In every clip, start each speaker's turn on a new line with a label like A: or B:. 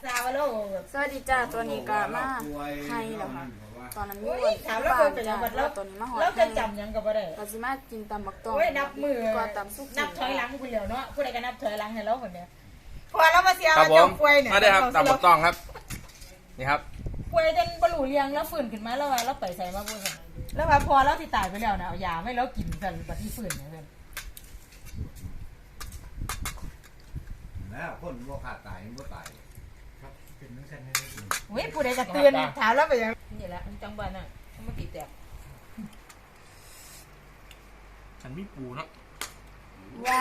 A: ซาวโล
B: สวัสดีจ้าตัวนี้ก็มาให้แล้วค่ะตอนนั้นมีวัน
A: ถามแล้ว
B: บ้าน
A: เป็นยั
B: จ้าง
A: ไงแล้ว
B: ตัวนี้มาหอด
A: แล้วจะจำยังกับอะไร
B: ก็สิมากินตำบักตอง
A: โอ้ยนับมือ
B: ก็ตำสุก
A: นับถอยหลังคุณเหลียวเนาะผู้ใดก็นับถอยหลังให้เราคนเนี้ยพอเรามาเสีย
C: ครับ
A: เรา
C: ผ
A: จะ
C: ม
A: ป่วยเนี่ย
C: มาได้ครับตามบักต้องครับนี่ครับ
A: ป่วยจนบรรลุเรียงแล้วฟื้นขึ้นมาแล้วว่าเราไปใส่มาพูดกันแล้วว่าพอเราที่ตายไปแล้วนะเอายาไม่เรากินกันบัดที่ฟื้นเนี่ยเพื่อน
D: แล้วคนบ่ขาดตายบ่ตาย
E: ครับเป็นนักแสดงได้ดี
A: เว้ยผู้ใดจะเตือนถามแล้วไปยังนี่แหละจังหวัดน่ะมาติดแตก
C: ฉันมีปูเนาะ
B: ว้าย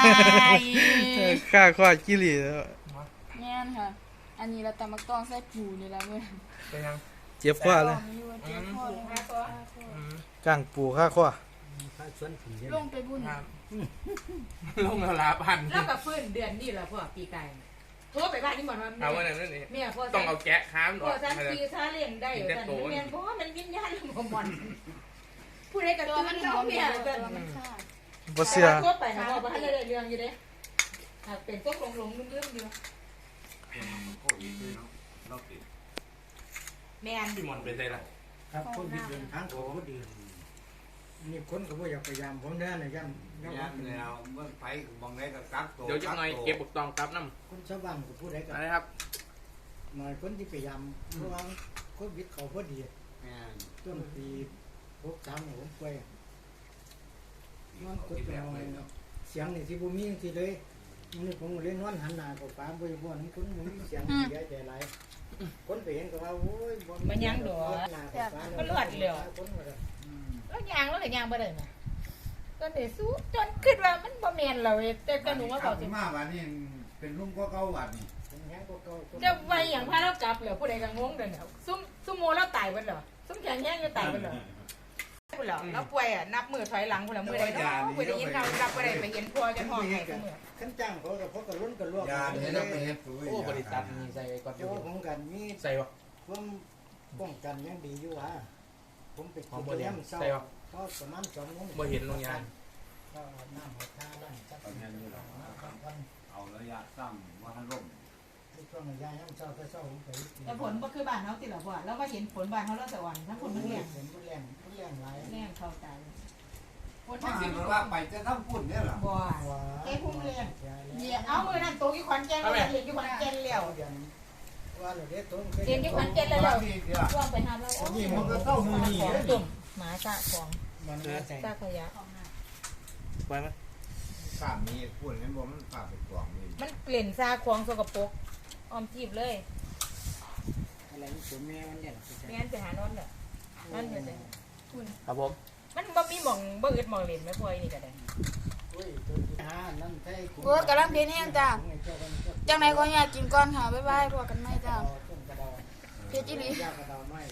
F: ข้าข้อกิริแล้ว
B: แม่นค่ะ อันนี้เราตำบักตองใส่ปูนี่ละเมื่อ
C: เป็นยัง
F: เจ็บข้อเลย
B: มีวันเจ้าพ่อเลยค่ะ
F: กลางปูข้าข้อ
E: ถ้าชวนผีเนี่ย
B: ลงไปบุญ
C: ครับลงแล้วลาพัน
A: แล้วก็ฟื้นเดือนนี่แหละพวกปีไก่โทรไปบ้านนี่บอกว่า
C: เอาวันนั้นนี่
A: แม่พ่อ
C: ต้องเอาแกะค้าม
A: พ่อฉันปีถ้าเลี้ยงได้อยู่แต่แม่เพราะว่ามันวิญญาณของมันผู้ใดก็ตัวมันเขาเมียกัน
F: บ่เสีย
A: ทั่วไปนะบอกว่าให้ได้เรื่องอยู่เด้เป็นพวกหลงลืมอยู่
D: โควิดเนาะเราติด
A: แม่น
C: พี่มอนไปใส่ละ
E: ครับคนที่เดินทางเขาก็ดีนี่คนก็บ่อยากพยายามผมเด้อนะย่ำ
D: เนี่ยแล้วเมื่อไปบางไดก็กักตัว
C: เดี๋ยวจะหน่อยเก็บบักตองกลับน้
E: คนชาวบ้านก็พูดได้
C: ำ
E: กับ
C: อะไรครับ
E: หน่อยคนที่พยายามเพราะว่าโควิดเขาพอดี
D: แม่น
E: ต้นปี63เนี่ยผมป่วยนอนกดไปนอนเสียงนี่สิบ่มีสิเลยนี่ผมเล่นนอนหันหน้าเข้าฟ้าบ่บ่นั้นคนบ่มีเสียงเสียใจหลายคนไปเห็นก็ว่าโอ้ยบ่มันยังดอกคนว่า
A: แล้วยางแล้วก็ยางบ่ได้นะก็ได้สู้จนคิดว่ามันบ่แม่นเราแต่ก็หนูว่าเขาสิ
D: มาวันนี้เป็นลุงก็เก่าวันนี้
A: จะไว้อย่างพาเรากลับแล้วผู้ใดก็งงเด้อเนี่ยซุ่มโมเราตายเบิดเหรอซุ่มแข็งแห้งอยู่ตายเบิดเหรอพุ่นเหรอแล้วป่วยอ่ะนับมือถอยหลังพุ่นละมือใดเนาะผู้ใดยินเรารับบ่ได้ไปเห็นพ่อจนห้องให้ซุมื้อ
E: ขั้นจ้างเขาก็พกกระล้นกระลวก
D: ยาเนี่ยเราไปเฮ็ดปุ๋ย
C: โอ้บริษัทมีใส่ก่อน
E: โอ้ผมกันมี
C: ใส่วะ
E: ผมป้องกันยังดีอยู่อ่ะผมไป
C: ของ
E: กิน
C: บริ
E: เลี้ย
C: ษั
E: ง
C: ท
E: เศร้า
C: ใส่วะ
E: ก็ประมาณ2 โมง
C: บ่เห็นโรงงาน
E: ก็น้ำหัวท่าบ้านจัก
D: เอาเงินอยู่หรอ
E: วัน
D: เอาระยะสั้นว่าทันล่ม
E: ในช่วงระยะย่ำเศร้าก็เศร้าผมไปกิน
A: แต่ผลบ่คือบ้านเฮาติล่ะพ่อแล้วมาเห็นผลบ้านเฮาแล้วสวรรค์ทั้งผลมันแรง
E: เห็นผู้เลี้ยงหลาย
A: แรงเข้าตายผล
D: ถ้า
A: ทั้ง
D: สิ
A: สิ
D: มันว่าไปจะทำปุ่นเนี่ยหรอ
A: บ่
E: ว้า
A: เอ้พุ่งเรียนเนี่ยเอามือนั่นตกอยู่ขอนแก่นเลยเรียนอยู่ขอนแก่นแล้ว
E: เดือนว่าเราได้ต้น
A: เรียนอยู่ขอนแก่นแล้ว
D: นี่เดียว
A: ร่วงไปหาเราของตุ่มหมาซะของ
E: มันใจ
A: ซะขยะ
C: ไปไหม
D: ข้ามมีปุ่นนี่บ่มันฝากไปกล่องนี่
A: มันเปลี่ยนซาของสกปรกออมจีบเลย
E: อะไรนี่ตัวแม่มันเนี่ย
A: แม่นไปหานอนเด้อนั่นเด้อ
C: ครับผม
A: มันบ่มีหม่องบ่อึดหม่องเล่นแม่พ่อยนี่ก็ได้
E: โอ้ยตัวที่5นั่นใช่
B: โอ้ยกำลังเพียนแห้งจ้าจังไหนก็อยากกินก่อนค่ะบ๊ายบายพวกกันไหมจ้า
E: ต้นกระดา
B: เพียนจิลี
E: ยากระดาไม้